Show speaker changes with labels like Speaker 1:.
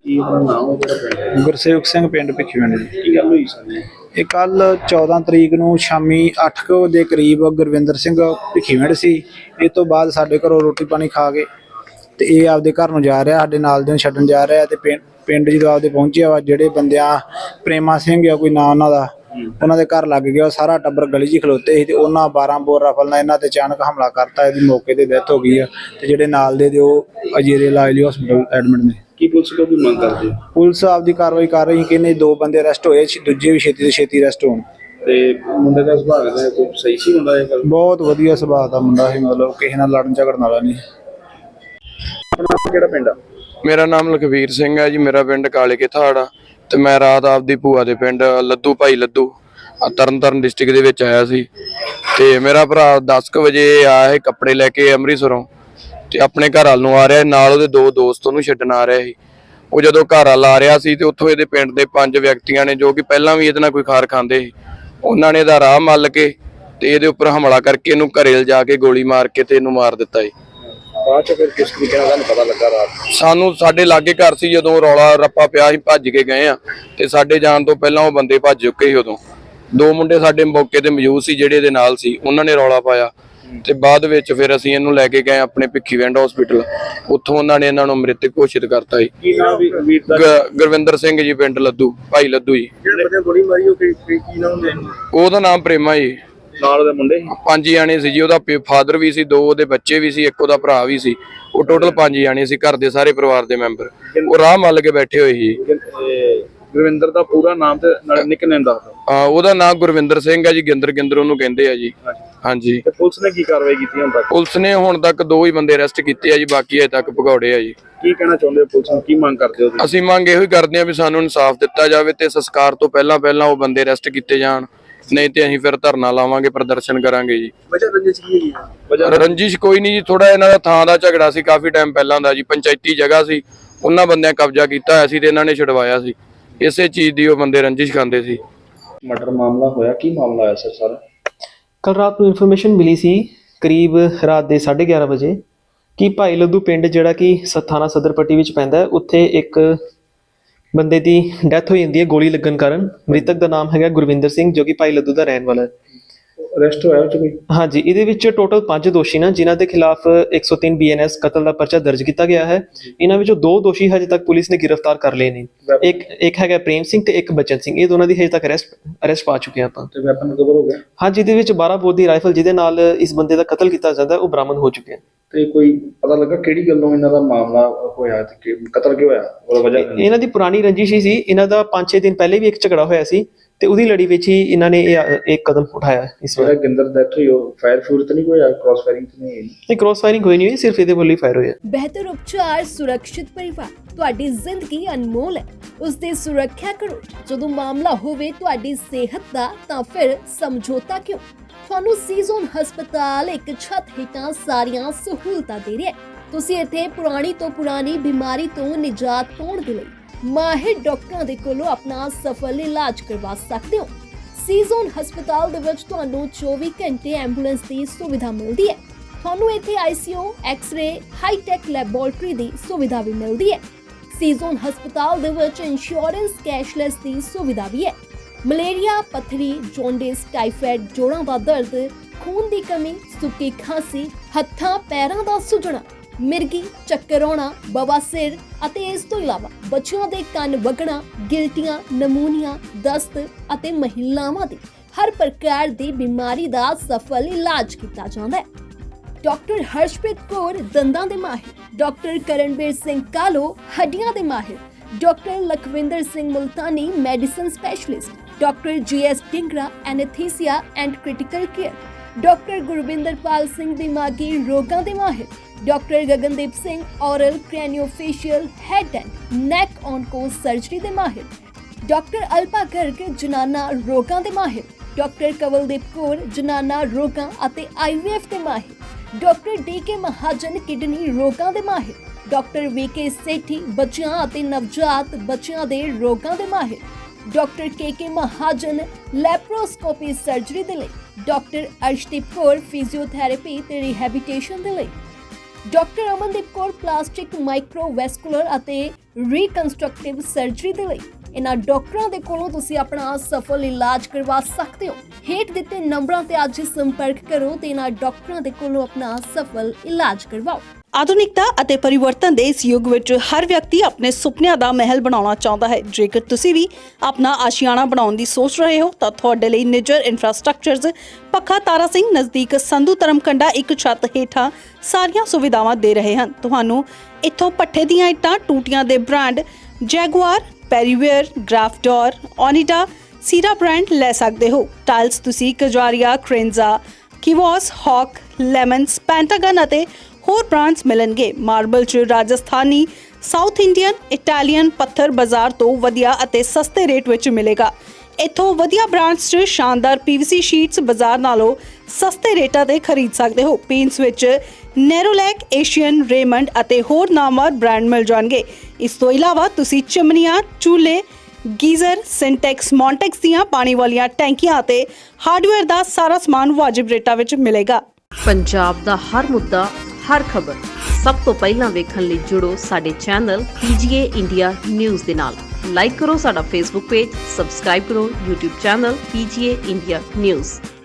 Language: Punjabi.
Speaker 1: ਕੀ ਆਪਣਾ ਨਾਮ ਹੈ ਜਿਹੜਾ ਪਿੰਡ?
Speaker 2: ਗੁਰਸੇਵਕ ਸਿੰਘ ਪਿੰਡ ਭਿੱਖੀਵਿੰਡ ਜੀ।
Speaker 1: ਕੀ ਗੱਲ ਹੋਈ ਸਾਰੀ?
Speaker 2: ਇਹ ਕੱਲ 14 ਤਰੀਕ ਨੂੰ ਸ਼ਾਮੀ 8 ਕੁ ਦੇ ਕਰੀਬ ਗੁਰਵਿੰਦਰ ਸਿੰਘ ਭਿੱਖੀਵਿੰਡ ਸੀ। ਇਹ ਤੋਂ ਬਾਅਦ ਸਾਡੇ ਘਰੋਂ ਰੋਟੀ ਪਾਣੀ ਖਾ ਕੇ ਤੇ ਇਹ ਆਪਦੇ ਘਰ ਨੂੰ ਜਾ ਰਿਹਾ, ਸਾਡੇ ਨਾਲ ਦੇ ਨੂੰ ਛੱਡਣ ਜਾ ਰਿਹਾ। ਤੇ ਪਿੰਡ ਜਦੋਂ ਆਪਦੇ ਪਹੁੰਚਿਆ ਵਾ, ਜਿਹੜੇ ਬੰਦਿਆਂ ਪ੍ਰੇਮਾ ਸਿੰਘ ਆ ਕੋਈ ਨਾਂ ਉਹਨਾਂ ਦਾ, ਉਹਨਾਂ ਦੇ ਘਰ ਲੱਗ ਗਿਆ। ਸਾਰਾ ਟੱਬਰ ਗਲੀ 'ਚ ਖਲੋਤੇ ਸੀ ਤੇ ਉਹਨਾਂ 12 ਬੋਰ ਰਫਲ ਨਾਲ ਇਹਨਾਂ ਤੇ ਅਚਾਨਕ ਹਮਲਾ ਕਰਤਾ। ਇਹਦੀ ਮੌਕੇ ਤੇ ਡੈਥ ਹੋ ਗਈ ਆ ਤੇ ਜਿਹੜੇ ਨਾਲ ਦੇ ਉਹ ਅਜੇਰੇ ਇਲਾਜ ਲਈ ਹਸਪੀਟਲ ਐਡਮਿਟ ਨੇ।
Speaker 1: ਕੀ ਪੁਲਿਸ ਕੋਲ ਵੀ ਮੰਗ ਕਰਦੇ?
Speaker 2: ਪੁਲਿਸ ਆਪਦੀ ਕਾਰਵਾਈ ਕਰ ਰਹੀ ਕਿ ਇਹਨੇ 2 ਬੰਦੇ ਅਰੈਸਟ ਹੋਏ, ਦੂਜੇ ਵੀ ਛੇਤੀ ਤੋਂ ਛੇਤੀ ਅਰੈਸਟ ਹੋਣ।
Speaker 1: ਤੇ ਮੁੰਡੇ ਦਾ ਸੁਭਾਅ ਦਾ ਕੋਈ ਸਹੀ ਸੀ ਹੁੰਦਾ? ਇਹ ਗੱਲ
Speaker 2: ਬਹੁਤ ਵਧੀਆ ਸੁਭਾਅ ਦਾ ਮੁੰਡਾ ਸੀ, ਮਤਲਬ ਕਿਸੇ ਨਾਲ ਲੜਨ ਝਗੜਨ ਵਾਲਾ ਨਹੀਂ।
Speaker 1: ਆਪਣਾ ਕਿਹੜਾ ਪਿੰਡ ਆ?
Speaker 3: ਮੇਰਾ ਨਾਮ ਲਖਵੀਰ ਸਿੰਘ ਹੈ ਜੀ। ਮੇਰਾ ਪਿੰਡ ਕਾਲੇ ਕੇ ਥਾੜਾ ਤੇ ਮੈਂ ਰਾਤ ਆਪਦੀ ਭੂਆ ਦੇ ਪਿੰਡ ਲੱਦੂ ਭਾਈ ਲੱਦੂ ਤਰਨਤਾਰਨ ਡਿਸਟ੍ਰਿਕਟ ਦੇ ਵਿੱਚ ਆਇਆ ਸੀ। ਤੇ ਮੇਰਾ ਭਰਾ 10 ਕੁ ਵਜੇ ਆਇਆ ਸੀ ਕੱਪੜੇ ਲੈ ਕੇ ਅੰਮ੍ਰਿਤਸਰੋਂ ਤੇ ਆਪਣੇ ਘਰ ਵੱਲ ਨੂੰ ਆ ਰਿਹਾ, ਨਾਲ ਉਹਦੇ 2 ਦੋਸਤ ਉਹਨੂੰ ਛੱਡਣ ਆ ਰਿਹਾ ਸੀ। ਉਹ ਜਦੋਂ ਘਰ ਵੱਲ ਆ ਰਿਹਾ ਸੀ ਤੇ ਉੱਥੋਂ ਇਹਦੇ ਪਿੰਡ ਦੇ 5 ਵਿਅਕਤੀਆਂ ਨੇ, ਜੋ ਕਿ ਪਹਿਲਾਂ ਵੀ ਇਹਦੇ ਨਾਲ ਕੋਈ ਖਾਰ ਖਾਂਦੇ ਸੀ, ਉਹਨਾਂ ਨੇ ਇਹਦਾ ਰਾਹ ਮੱਲ ਕੇ ਤੇ ਇਹਦੇ ਉੱਪਰ ਹਮਲਾ ਕਰਕੇ ਇਹਨੂੰ ਘਰੇ ਲਿਜਾ ਕੇ ਗੋਲੀ ਮਾਰ ਕੇ ਤੇ ਇਹਨੂੰ ਮਾਰ ਦਿੱਤਾ ਜੀ।
Speaker 1: ਬਾਅਦ ਚ ਫਿਰ ਕਿਸ ਤਰੀਕੇ ਨਾਲ ਤੁਹਾਨੂੰ ਪਤਾ ਲੱਗਾ ਰਾਤ?
Speaker 3: ਸਾਨੂੰ ਸਾਡੇ ਲਾਗੇ ਘਰ ਸੀ, ਜਦੋਂ ਰੌਲਾ ਰੱਪਾ ਪਿਆ ਸੀ ਭੱਜ ਕੇ ਗਏ ਆ ਤੇ ਸਾਡੇ ਜਾਣ ਤੋਂ ਪਹਿਲਾਂ ਉਹ ਬੰਦੇ ਭੱਜ ਚੁੱਕੇ ਸੀ। ਉਦੋਂ 2 ਮੁੰਡੇ ਸਾਡੇ ਮੌਕੇ ਤੇ ਮੌਜੂਦ ਸੀ ਜਿਹੜੇ ਇਹਦੇ ਨਾਲ ਸੀ, ਉਹਨਾਂ ਨੇ ਰੌਲਾ ਪਾਇਆ ਤੇ ਬਾਅਦ ਵਿੱਚ ਫਿਰ ਅਸੀਂ ਇਹਨੂੰ ਲੈ ਕੇ ਗਏ ਆਪਣੇ ਭਿੱਖੀਵਿੰਡ ਹਸਪੀਟਲ। ਉੱਥੋਂ ਉਹਨਾਂ ਨੇ ਇਹਨਾਂ ਨੂੰ ਮ੍ਰਿਤਕ ਘੋਸ਼ਿਤ ਕਰਤਾ ਜੀ।
Speaker 1: ਕੀ ਨਾਮ ਵੀਰ ਦਾ?
Speaker 3: ਗੁਰਵਿੰਦਰ ਸਿੰਘ ਜੀ, ਪਿੰਡ ਲੱਦੂ ਭਾਈ ਲੱਦੂ ਜੀ।
Speaker 1: ਜਿਹੜੇ ਬੰਦੇ ਗੋਲੀ ਮਾਰੀ ਉਹ ਕੀ ਨਾਮ ਹੁੰਦੇ?
Speaker 3: ਉਹਦਾ ਨਾਮ ਪ੍ਰੇਮਾ ਜੀ।
Speaker 1: ਨਾਲ ਉਹਦੇ ਮੁੰਡੇ
Speaker 3: 5 ਜਾਣੇ ਸੀ ਜੀ। ਉਹਦਾ ਫਾਦਰ ਵੀ ਸੀ, 2 ਉਹਦੇ ਬੱਚੇ ਵੀ ਸੀ, 1 ਉਹਦਾ ਭਰਾ ਵੀ ਸੀ। ਉਹ ਟੋਟਲ 5 ਜਾਣੇ ਸੀ, ਘਰ ਦੇ ਸਾਰੇ ਪਰਿਵਾਰ ਦੇ ਮੈਂਬਰ। ਉਹ ਰਾਹ ਮੱਲ ਕੇ ਬੈਠੇ ਹੋਏ ਸੀ।
Speaker 1: ਗੁਰਵਿੰਦਰ ਦਾ ਪੂਰਾ ਨਾਮ ਤੇ ਨਾਲ ਨਿਕਨੇਮ ਦੱਸ ਦਿਓ।
Speaker 3: ਉਹਦਾ ਨਾਮ ਗੁਰਵਿੰਦਰ ਸਿੰਘ ਹੈ ਜੀ। ਗਿੰਦਰ ਉਹਨੂੰ ਕਹਿੰਦੇ ਆ ਜੀ। ਹਾਂਜੀ।
Speaker 1: ਤੇ ਪੁਲਿਸ ਨੇ ਕੀ ਕਾਰਵਾਈ ਕੀਤੀ ਹੁਣ ਤੱਕ?
Speaker 3: ਪੁਲਿਸ ਨੇ ਹੁਣ ਤੱਕ 2 ਹੀ ਬੰਦੇ ਅਰੈਸਟ ਕੀਤੇ ਆ ਜੀ, ਬਾਕੀ ਅਜੇ ਤੱਕ ਭਗੌੜੇ ਆ ਜੀ।
Speaker 1: ਕੀ ਕਹਿਣਾ ਚਾਹੁੰਦੇ ਹੋ? ਪੁਲਿਸ ਨੂੰ ਕੀ ਮੰਗ ਕਰਦੇ ਹੋ?
Speaker 3: ਅਸੀਂ ਮੰਗ ਇਹੋ ਹੀ ਕਰਦੇ ਆ ਵੀ ਸਾਨੂੰ ਇਨਸਾਫ ਦਿੱਤਾ ਜਾਵੇ ਤੇ ਸੰਸਕਾਰ ਤੋਂ ਪਹਿਲਾਂ ਉਹ ਬੰਦੇ ਅਰੈਸਟ ਕੀਤੇ ਜਾਣ, ਨਹੀਂ ਤੇ ਅਸੀਂ ਫਿਰ ਧਰਨਾ ਲਾਵਾਂਗੇ, ਪ੍ਰਦਰਸ਼ਨ ਕਰਾਂਗੇ ਜੀ।
Speaker 1: ਵਜ੍ਹਾ ਰੰਜਿਸ਼ ਕੀ ਹੈ?
Speaker 3: ਰੰਜਿਸ਼ ਕੋਈ ਨਹੀਂ ਜੀ, ਥੋੜਾ ਇਹਨਾਂ ਦਾ ਥਾਂ ਦਾ ਝਗੜਾ ਸੀ ਕਾਫੀ ਟਾਈਮ ਪਹਿਲਾਂ ਦਾ ਜੀ। ਪੰਚਾਇਤੀ ਜਗ੍ਹਾ ਸੀ, ਉਹਨਾਂ ਬੰਦਿਆਂ ਕਬਜ਼ਾ ਕੀਤਾ ਹੋਇਆ ਸੀ ਤੇ ਇਹਨਾਂ ਨੇ ਛਡਵਾਇਆ ਸੀ। ਇਸੇ ਚੀਜ਼ ਦੀ ਉਹ ਬੰਦੇ ਰੰਜਿਸ਼ ਖਾਂਦੇ ਸੀ।
Speaker 1: ਮਰਡਰ ਮਾਮਲਾ ਹੋਇਆ, ਕੀ ਮਾਮਲਾ ਆਇਆ ਸਰ ਸਾਰਾ?
Speaker 4: ਕੱਲ ਰਾਤ ਨੂੰ ਇਨਫੋਰਮੇਸ਼ਨ ਮਿਲੀ ਸੀ ਕਰੀਬ ਰਾਤ ਦੇ 11:30 ਵਜੇ ਕਿ ਭਾਈ ਲੱਦੂ ਪਿੰਡ ਜਿਹੜਾ ਕਿ ਥਾਣਾ ਸਦਰ ਪੱਟੀ ਵਿੱਚ ਪੈਂਦਾ ਹੈ, ਉੱਥੇ ਇੱਕ ਬੰਦੇ ਦੀ ਡੈਥ ਹੋ ਜਾਂਦੀ ਹੈ ਗੋਲੀ ਲੱਗਣ ਕਾਰਨ। ਮ੍ਰਿਤਕ ਦਾ ਨਾਮ ਹੈਗਾ ਗੁਰਵਿੰਦਰ ਸਿੰਘ, ਜੋ ਕਿ ਭਾਈ ਲੱਦੂ ਦਾ ਰਹਿਣ ਵਾਲਾ ਹੈ।
Speaker 1: ਅਰੈਸਟ ਹੋਇਆ ਉਹ 'ਚ ਕੋਈ? ਹਾਂਜੀ,
Speaker 4: ਇਹਦੇ ਵਿੱਚ ਟੋਟਲ 5 ਦੋਸ਼ੀ ਨੇ, ਜਿਨ੍ਹਾਂ ਦੇ ਖਿਲਾਫ 103 BNS ਕਤਲ ਦਾ ਪਰਚਾ ਦਰਜ ਕੀਤਾ ਗਿਆ ਹੈ। ਇਹਨਾਂ ਵਿੱਚੋਂ 2 ਦੋਸ਼ੀ ਹਜੇ ਤੱਕ ਪੁਲਿਸ ਨੇ ਗ੍ਰਿਫਤਾਰ ਕਰ ਲਏ ਨੇ। ਇੱਕ ਹੈਗਾ ਪ੍ਰੇਮ ਸਿੰਘ ਤੇ ਇੱਕ ਬਚਨ ਸਿੰਘ। ਇਹ ਦੋਨਾਂ ਦੀ ਹਜੇ ਤੱਕ ਅਰੈਸਟ ਪਾ ਚੁੱਕੇ ਆਪਾਂ।
Speaker 1: ਤੇ ਵੈਪਨ ਕਵਰ ਹੋ ਗਿਆ?
Speaker 4: ਹਾਂਜੀ, ਇਹਦੇ ਵਿੱਚ 12 ਬੋਰ ਦੀ ਰਾਈਫਲ ਜਿਹਦੇ ਨਾਲ ਇਸ ਬੰਦੇ ਦਾ ਕਤਲ ਕੀਤਾ ਜਾਂਦਾ ਉਹ ਬਰਾਮਦ ਹੋ ਚੁੱਕਿਆ।
Speaker 1: ਤੇ ਕੋਈ ਪਤਾ ਲੱਗਾ ਕਿਹੜੀ ਗੱਲੋਂ ਇਹਨਾਂ ਦਾ ਮਾਮਲਾ ਹੋਇਆ ਤੇ ਕਤਲ ਕਿਉਂ ਹੋਇਆ? ਉਹਦਾ ਵਜ੍ਹਾ
Speaker 4: ਇਹਨਾਂ ਦੀ ਪੁਰਾਣੀ ਰੰਜਿਸ਼ ਹੀ ਸੀ। ਇਹਨਾਂ ਦਾ 5-6 ਦਿਨ ਪਹਿਲੇ ਵੀ ਇੱਕ ਝਗੜਾ ਹੋਇਆ ਸੀ ਤੇ ਉਹਦੀ ਲੜੀ ਵਿੱਚ ਹੀ ਇਹਨਾਂ ਨੇ ਇੱਕ ਕਦਮ ਉਠਾਇਆ। ਇਸ ਵਾਰ
Speaker 1: ਗਿੰਦਰ ਡੈਥ ਹੋਈ, ਉਹ ਫਾਇਰ ਤਾਂ ਨਹੀਂ ਹੋਇਆ? ਕ੍ਰਾਸ ਫਾਇਰਿੰਗ ਤਾਂ ਨਹੀਂ?
Speaker 4: ਕ੍ਰਾਸ ਫਾਇਰਿੰਗ ਹੋਈ ਨਹੀਂ ਹੋਈ, ਸਿਰਫ ਇਹਦੇ ਵੱਲੋਂ ਹੀ ਫਾਇਰ ਹੋਇਆ।
Speaker 5: ਬਿਹਤਰ ਉਪਚਾਰ, ਸੁਰੱਖਿਅਤ ਪਰਿਵਾਰ। ਤੁਹਾਡੀ ਜ਼ਿੰਦਗੀ ਅਨਮੋਲ ਹੈ, ਉਸ ਦੀ ਸੁਰੱਖਿਆ ਕਰੋ। ਜਦੋਂ ਮਾਮਲਾ ਹੋਵੇ ਤੁਹਾਡੀ ਸਿਹਤ ਦਾ, ਤਾਂ ਫਿਰ ਸਮਝੌਤਾ ਕਿਉਂ? ਤੁਹਾਨੂੰ ਸੀਜ਼ਨ ਹਸਪਤਾਲ ਇੱਕ ਛੱਤ ਹੇਠਾਂ ਸਾਰੀਆਂ ਸਹੂਲਤਾਂ ਦੇ ਰਿਹਾ ਹੈ। ਤੁਸੀਂ ਇੱਥੇ ਪੁਰਾਣੀ ਤੋਂ ਪੁਰਾਣੀ ਬਿਮਾਰੀ ਤੋਂ ਨਿਜਾਤ ਪਾਉਣ ਦੇ ਲਈ ਮਾਹਿਰ ਡਾਕਟਰਾਂ ਦੇ ਕੋਲੋਂ ਆਪਣਾ ਸਫਲ ਇਲਾਜ ਕਰਵਾ ਸਕਦੇ ਹੋ। ਸੀਜ਼ਨ ਹਸਪਤਾਲ ਦੇ ਵਿੱਚ ਤੁਹਾਨੂੰ 24 ਘੰਟੇ ਐਂਬੂਲੈਂਸ ਦੀ ਸੁਵਿਧਾ ਮਿਲਦੀ ਹੈ। ਤੁਹਾਨੂੰ ਇੱਥੇ ICU, ਐਕਸ-ਰੇ, ਹਾਈ-ਟੈਕ ਲੈਬੋਰੇਟਰੀ ਦੀ ਸੁਵਿਧਾ ਵੀ ਮਿਲਦੀ ਹੈ। ਸੀਜ਼ਨ ਹਸਪਤਾਲ ਦੇ ਵਿੱਚ ਇੰਸ਼ੋਰੈਂਸ ਕੈਸ਼ਲੈਸ ਦੀ ਸੁਵਿਧਾ ਵੀ ਹੈ। ਮਲੇਰੀਆ, ਪੱਥਰੀ, ਜੌਂਡਿਸ, ਟਾਈਫਾਇਡ, ਜੋੜਾਂ ਦਾ ਦਰਦ, ਖੂਨ ਦੀ ਕਮੀ, ਸੁੱਕੀ ਖਾਂਸੀ, ਹੱਥਾਂ ਪੈਰਾਂ ਦਾ ਸੁੱਜਣਾ, ਮਿਰਗੀ, ਚੱਕਰ ਆਉਣਾ, ਬਵਾਸੀਰ ਅਤੇ ਇਸ ਤੋਂ ਇਲਾਵਾ ਬੱਚਿਆਂ ਦੇ ਕੰਨ ਵਗਣਾ, ਗਿਲਟੀਆਂ, ਨਮੂਨੀਆ, ਦਸਤ ਅਤੇ ਮਹਿਲਾਵਾਂ ਦੀ ਹਰ ਪ੍ਰਕਾਰ ਦੀ ਬਿਮਾਰੀ ਦਾ ਸਫਲ ਇਲਾਜ ਕੀਤਾ ਜਾਂਦਾ ਹੈ। ਡਾਕਟਰ ਹਰਸ਼ਪ੍ਰੀਤ ਕੌਰ ਦੰਦਾਂ ਦੇ ਮਾਹਿਰ, ਡਾਕਟਰ ਕਰਨਵੀਰ ਸਿੰਘ ਕਾਲੋ ਹੱਡੀਆਂ ਦੇ ਮਾਹਿਰ, doctor Lakhwinder Singh Multani medicine specialist, doctor GS Dhingra anaesthesia and critical care, doctor Gurwinderpal Singh ਦਿਮਾਗੀ ਰੋਗਾਂ ਦੇ ਮਾਹਿਰ, doctor Gagandeep Singh oral craniofacial head and neck onco surgery ਦੇ ਮਾਹਿਰ, ਡਾਕਟਰ ਅਲਪਾ ਗਰਗ ਜਨਾਨਾ ਰੋਗਾਂ ਦੇ ਮਾਹਿਰ, ਡਾਕਟਰ ਕਵਲਦੀਪ ਕੌਰ ਜਨਾਨਾ ਰੋਗਾਂ ਅਤੇ IVF ਦੇ ਮਾਹਿਰ, ਡਾਕਟਰ DK ਮਹਾਜਨ ਕਿਡਨੀ ਰੋਗਾਂ ਦੇ ਮਾਹਿਰ, ਡਾਕਟਰ VK ਸੇਠੀ ਬੱਚਿਆਂ ਅਤੇ ਨਵਜਾਤ ਬੱਚਿਆਂ ਦੇ ਰੋਗਾਂ ਦੇ ਮਾਹਿਰ, doctor KK Mahajan laparoscopy surgery ਦੇ ਲਈ, ਡਾਕਟਰ ਅਰਸ਼ਦੀਪ ਕੌਰ ਫਿਜ਼ੀਓਥੈਰੇਪੀ ਤੇ ਰਿਹੈਬਿਲਿਟੇਸ਼ਨ ਦੇ ਲਈ, doctor Amandeep Kaur plastic microvascular ਅਤੇ ਰੀਕਨਸਟਰਕਟਿਵ ਸਰਜਰੀ ਦੇ ਲਈ ਇਹਨਾਂ ਡਾਕਟਰਾਂ ਦੇ ਕੋਲੋਂ ਤੁਸੀਂ ਆਪਣਾ ਸਫਲ ਇਲਾਜ ਕਰਵਾ ਸਕਦੇ ਹੋ। ਹੇਠ ਦਿੱਤੇ ਨੰਬਰਾਂ ਤੇ ਅੱਜ ਹੀ ਸੰਪਰਕ ਕਰੋ ਤੇ ਇਹਨਾਂ ਡਾਕਟਰਾਂ ਦੇ ਕੋਲੋਂ ਆਪਣਾ ਸਫਲ ਇਲਾਜ ਕਰਵਾਓ।
Speaker 6: ਆਧੁਨਿਕਤਾ ਅਤੇ ਪਰਿਵਰਤਨ ਦੇ ਇਸ ਯੁੱਗ ਵਿੱਚ ਹਰ ਵਿਅਕਤੀ ਆਪਣੇ ਸੁਪਨਿਆਂ ਦਾ ਮਹਿਲ ਬਣਾਉਣਾ ਚਾਹੁੰਦਾ ਹੈ। ਜੇਕਰ ਤੁਸੀਂ ਵੀ ਆਪਣਾ ਆਸ਼ੀਆਣਾ ਬਣਾਉਣ ਦੀ ਸੋਚ ਰਹੇ ਹੋ ਤਾਂ ਤੁਹਾਡੇ ਲਈ ਨਿੱਜਰ ਇਨਫਰਾਸਟ੍ਰਕਚਰਜ਼ ਪੱਖਾ ਤਾਰਾ ਸਿੰਘ ਨਜ਼ਦੀਕ ਸੰਧੂ ਧਰਮਕੰਡਾ ਇੱਕ ਛੱਤ ਹੇਠਾਂ ਸਾਰੀਆਂ ਸੁਵਿਧਾਵਾਂ ਦੇ ਰਹੇ ਹਨ। ਤੁਹਾਨੂੰ ਇੱਥੋਂ ਪੱਠੇ ਦੀਆਂ ਇੱਟਾਂ, ਟੂਟੀਆਂ ਦੇ ਬ੍ਰਾਂਡ ਜੈਗੁਆਰ, ਪੈਰੀਵੇਅਰ, ਗ੍ਰਾਫਡੋਰ, ਓਨੀਡਾ, ਸੀਰਾ ਬ੍ਰਾਂਡ ਲੈ ਸਕਦੇ ਹੋ। ਟਾਈਲਸ ਤੁਸੀਂ ਕਜਾਰੀਆ, ਕ੍ਰੇਨਜ਼ਾ, ਕਿਵੋਸ, ਹੌਕ, ਲੈਮਨਸ, ਪੈਂਟਾਗਨ ਅਤੇ ਹੋਰ ਬ੍ਰਾਂਡਸ ਮਿਲਣਗੇ। ਮਾਰਬਲ 'ਚ ਰਾਜਸਥਾਨੀ, ਸਾਊਥ ਇੰਡੀਅਨ, ਇਟਾਲੀਅਨ ਪੱਥਰ ਬਾਜ਼ਾਰ ਤੋਂ ਵਧੀਆ ਅਤੇ ਸਸਤੇ ਰੇਟ ਵਿੱਚ ਮਿਲੇਗਾ। ਇੱਥੋਂ ਵਧੀਆ ਬ੍ਰਾਂਡਸ 'ਚ ਸ਼ਾਨਦਾਰ PVC ਸ਼ੀਟਸ ਬਾਜ਼ਾਰ ਨਾਲੋਂ ਸਸਤੇ ਰੇਟਾਂ ਤੇ ਖਰੀਦ ਸਕਦੇ ਹੋ। ਪੇਂਟਸ ਵਿੱਚ ਨੈਰੋਲੈਕ, ਏਸ਼ੀਅਨ, ਰੇਮੰਡ ਅਤੇ ਹੋਰ ਨਾਮਵਰ ਬ੍ਰਾਂਡ ਮਿਲ ਜਾਣਗੇ। ਇਸ ਤੋਂ ਇਲਾਵਾ ਤੁਸੀਂ ਚਿਮਨੀਆਂ, ਚੂਲੇ, ਗੀਜ਼ਰ, ਸਿੰਟੈਕਸ, ਮੌਂਟੈਕਸ ਦੀਆਂ ਪਾਣੀ ਵਾਲੀਆਂ ਟੈਂਕੀਆਂ ਅਤੇ ਹਾਰਡਵੇਅਰ ਦਾ ਸਾਰਾ ਸਮਾਨ ਵਾਜਿਬ ਰੇਟਾਂ ਵਿੱਚ ਮਿਲੇਗਾ।
Speaker 7: ਪੰਜਾਬ ਦਾ ਹਰ ਮੁੱਦਾ, ਹਰ ਖਬਰ ਸਭ ਤੋਂ ਪਹਿਲਾਂ ਵੇਖਣ ਲਈ ਜੁੜੋ ਸਾਡੇ ਚੈਨਲ PGA ਇੰਡੀਆ ਨਿਊਜ਼ ਦੇ ਨਾਲ। ਲਾਈਕ ਕਰੋ ਸਾਡਾ Facebook ਪੇਜ, ਸਬਸਕ੍ਰਾਈਬ ਕਰੋ YouTube channel PGA India news.